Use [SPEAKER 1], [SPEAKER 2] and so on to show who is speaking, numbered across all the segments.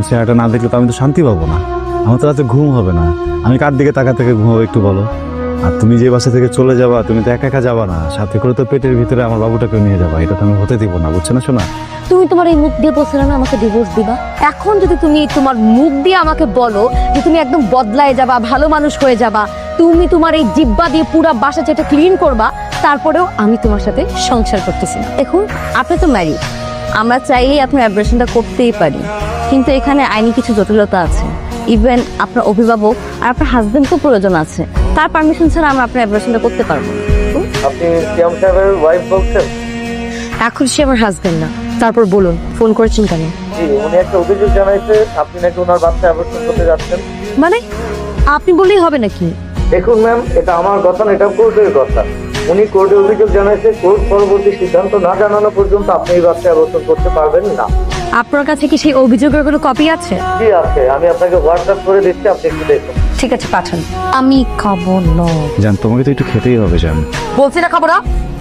[SPEAKER 1] চেহারাটা না দেখলে তো আমি তো শান্তি পাবো না, আমার তো রাতে ঘুম হবে না। আমি কার দিকে তাকা থেকে ঘুমাবো একটু বলো? আর তুমি যে বাসা থেকে চলে যাবা, তুমি তো একা একা যাবা না, সাথে করে তো পেটের ভিতরে আমার বাবুটাকে নিয়ে যাবা। এটা তো আমি হতে দিব না, বুঝছো না শোনা?
[SPEAKER 2] তুমি তোমার এই মুখ দিয়ে বলছিলে না আমাকে ডিভোর্স দিবা, এখন যদি তুমি তোমার মুখ দিয়ে আমাকে বলো যে তুমি একদম বদলায় যাবা, ভালো মানুষ হয়ে যাবা, তুমি তোমার এই জিব্বা দিয়ে পুরো বাসা যেটা ক্লিন করবা, তারপরেও আমি তোমার সাথে সংসার করতেছি না। দেখুন, আপনি তো ম্যারিড, আমরা চাইলেই আপনার অ্যাব্রেশনটা করতেই পারি, কিন্তু এখানে আইনি কিছু জটিলতা আছে। ইভেন আপনার অভিভাবক আর আপনার হাজবেন্ডকেও প্রয়োজন আছে, তার পারমিশন ছাড়া আমরা আপনার অ্যাব্রেশনটা করতে পারবো না।
[SPEAKER 3] আপনি সিয়াম সাহেবের ওয়াইফ বলছেন?
[SPEAKER 2] এখন সে আমার হাজবেন্ড না, তারপর বলুন ফোন করেছেন কেন?
[SPEAKER 3] জি, উনি একটা অভিযোগ জানাইছে আপনি নাকি ওনার বাচ্চা অ্যাবর্শন করতে যাচ্ছেন।
[SPEAKER 2] মানে আপনি বললেই হবে নাকি?
[SPEAKER 3] দেখুন ম্যাম, এটা আমার কথা না, এটা কোর্টের কথা। উনি কোর্টে অভিযোগ জানাইছে, কোর্ট পরবর্তী সিদ্ধান্ত না জানানো পর্যন্ত আপনি এই বাচ্চা অ্যাবর্শন করতে পারবেন না।
[SPEAKER 2] আপনার কাছে কি সেই অভিযোগের কোনো কপি আছে?
[SPEAKER 3] জি আছে, আমি আপনাকে হোয়াটসঅ্যাপ করে দিচ্ছি, আপনি একটু দেখুন।
[SPEAKER 2] ঠিক আছে, পাঠান। আমি খাবো না।
[SPEAKER 1] জান, তোমাকে তো একটু খেতেই হবে জান।
[SPEAKER 2] বলছি না খাবো না।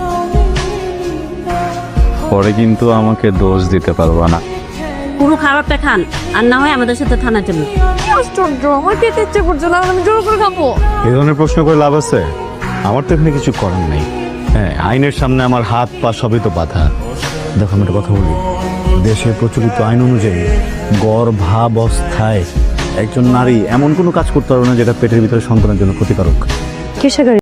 [SPEAKER 1] পরে কিন্তু আমাকে দোষ দিতে পারবা না।
[SPEAKER 4] পুরো খাবারটা খান, আর না হয় আমাদের সাথে থানার জন্য।
[SPEAKER 2] আশ্চর্য, আমার খেতে ইচ্ছে করছে না, আমি জোর করে খাবো।
[SPEAKER 1] এই ধরনের প্রশ্ন করে লাভ আছে? আমার তো এখানে কিছু করার নেই। হ্যাঁ, আইনের সামনে আমার হাত পা সবই তো বাধা। দেখো, আমি একটা কথা বলি, দেশের প্রচলিত আইন অনুযায়ী গর্ভাবস্থায় একজন নারী এমন কোনো কাজ করতে পারবে না যেটা পেটের ভিতরে সন্তানের জন্য ক্ষতিকারক।
[SPEAKER 2] কিসের গাড়ি?